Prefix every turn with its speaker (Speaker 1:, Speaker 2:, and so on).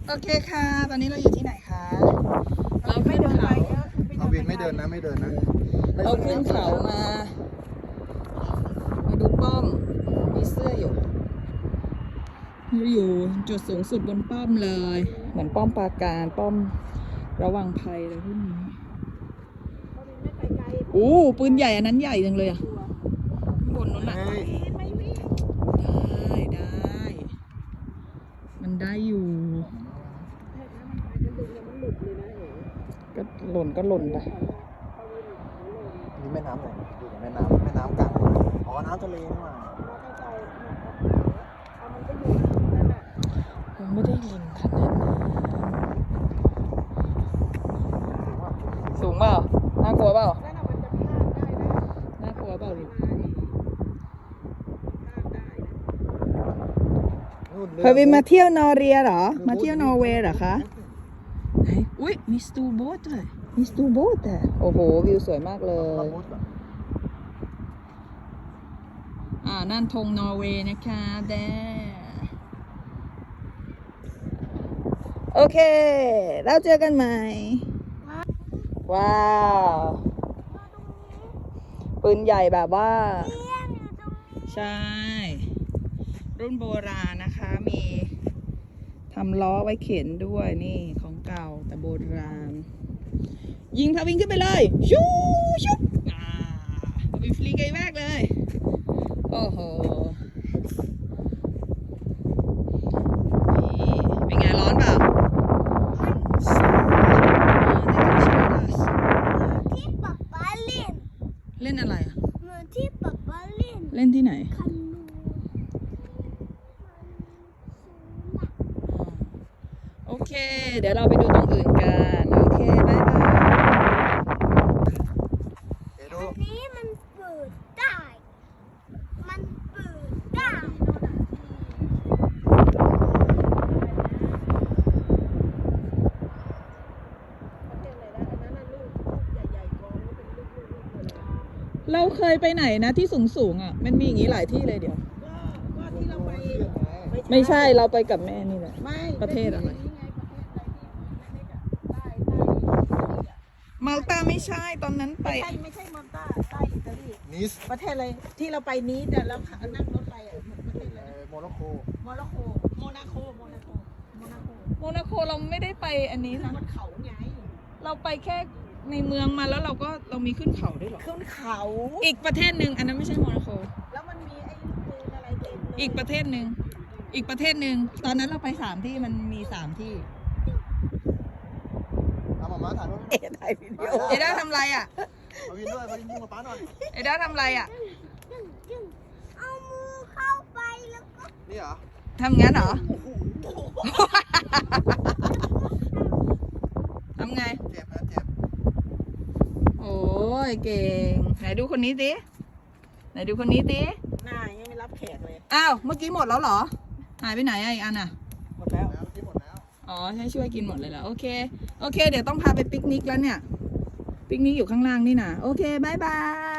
Speaker 1: โอเคค่ะตอนนี้เราอยู่ที่ไหนคะเราขึ้นเขา
Speaker 2: เอาวินไม่เดินนะไม่เดินนะ
Speaker 1: เราขึ้นเขามาดูป้อมมีเสื้ออยู่เราอยู่จุดสูงสุดบนป้อมเลยเหมือนป้อมปราการป้อมระวังภัยอะไรพวกนี้โอ้ปืนใหญ่อันนั้นใหญ่จังเลยอ่ะบนนู้นอ่ะได้มันได้อยู่ก็หล่นไป
Speaker 2: นี่แม่น้ำไหนดูแม่น้ำกลางอ๋อน้ำทะเลนี่หว่า
Speaker 1: ผมไม่ได้ลินขนาดนั้นสูงเปล่าน่ากลัวเปล่าน่ากลัวเปล่าลินพาวินมาเที่ยวนอร์เรียเหรอมาเที่ยวนอร์เวย์เหรอคะไหนอุ้ยมีสตูโบ๊ทด้วยมีสตูโบ๊ทแต่โอ้โหวิวสวยมากเลยนั่นธงนอร์เวย์นะคะแดโอเคแล้วเจอกันใหม่ว้าวปืนใหญ่แบบว่าใช่รุ่นโบราณนะคะมีทำล้อไว้เข็นด้วยนี่ของเก่าแต่โบราณยิงพาวิ่งขึ้นไปเลยชูชุบวิ่งฟรีไกลมากเลยโอ้โหนี่เป็นไงร้อนเปล่า
Speaker 3: ที่ป๊าป๊าเล่น
Speaker 1: เล่นอะไรอ่ะ
Speaker 3: เหมือนที่ป๊าป๊าเล่น
Speaker 1: เล่นที่ไหน
Speaker 3: คานู
Speaker 1: โอเคเดี๋ยวเราไปดูตรงอื่นกันโอเคบ๊ายบาย
Speaker 3: อันนี้มันเปิดได้ มันเปิดได้
Speaker 1: เราเคยไปไหนนะที่สูงอ่ะมันมีอย่างนี้หลายที่เลยเดี๋ยว
Speaker 4: ก็ที่เราไป
Speaker 1: ไม่ใช่เราไปกับแม่นี่แหละ
Speaker 4: ไม่
Speaker 1: ประเทศอะไร
Speaker 4: นี่ไงประเทศอะไรที่
Speaker 1: มาลตาไม่ใช่ตอนนั้นไป
Speaker 4: ไม่ใช่มอนตาใต้อิตาลี
Speaker 2: นิส
Speaker 4: ประเทศอะไรที่เราไปนี้แต่เรานั่งรถไปอ่ะประเทศอะไร
Speaker 2: โมร็อกโก
Speaker 4: โมร็อกโกโมนาโกโมนาโก
Speaker 1: โมนาโคเราไม่ได้ไปอันนี้นะ
Speaker 4: มันเขาไง
Speaker 1: เราไปแค่ในเมืองมาแล้วเรามีขึ้นเขาด้วยเหรอ
Speaker 4: ขึ้นเขา
Speaker 1: อีกประเทศหนึ่งอันนั้นไม่ใช่โมนาโค
Speaker 4: แล้วมันมีไอ้ปืนอะไรเต็มเลย
Speaker 1: อีกประเทศหนึ่งตอนนั้นเราไป3 ที่มันมี3 ที่
Speaker 2: เอามาถ่ายรูป
Speaker 4: ถ่ายวิดีโอ
Speaker 1: เอด้าทำอะไรอ่ะ
Speaker 2: เอาวินด้วยมายิงกับป้าหน่อย
Speaker 1: เอด้าทำอะไรอ่ะ
Speaker 3: จึงเอามือเข้าไปแล้วก็
Speaker 2: นี่เหรอ
Speaker 1: ทำงั้นเหรอ ทำไง
Speaker 2: เจ็บนะเจ็บ
Speaker 1: โอ้ยเก่งไหนดูคนนี้สิไหนดูคนนี้สิ
Speaker 4: หน้ายังไม่รับแขกเลย
Speaker 1: อ้าวเมื่อกี้หมดแล้วเหรอหายไปไหนอ่ะอีกอันอ่ะ
Speaker 4: หมดแล้ว
Speaker 2: แล้วที่หมดแล้ว
Speaker 1: อ๋อให้ช่วยกินหมดเลยเหรอโอเคเดี๋ยวต้องพาไปปิกนิกแล้วเนี่ยปิกนิกอยู่ข้างล่างนี่นะโอเคบายบาย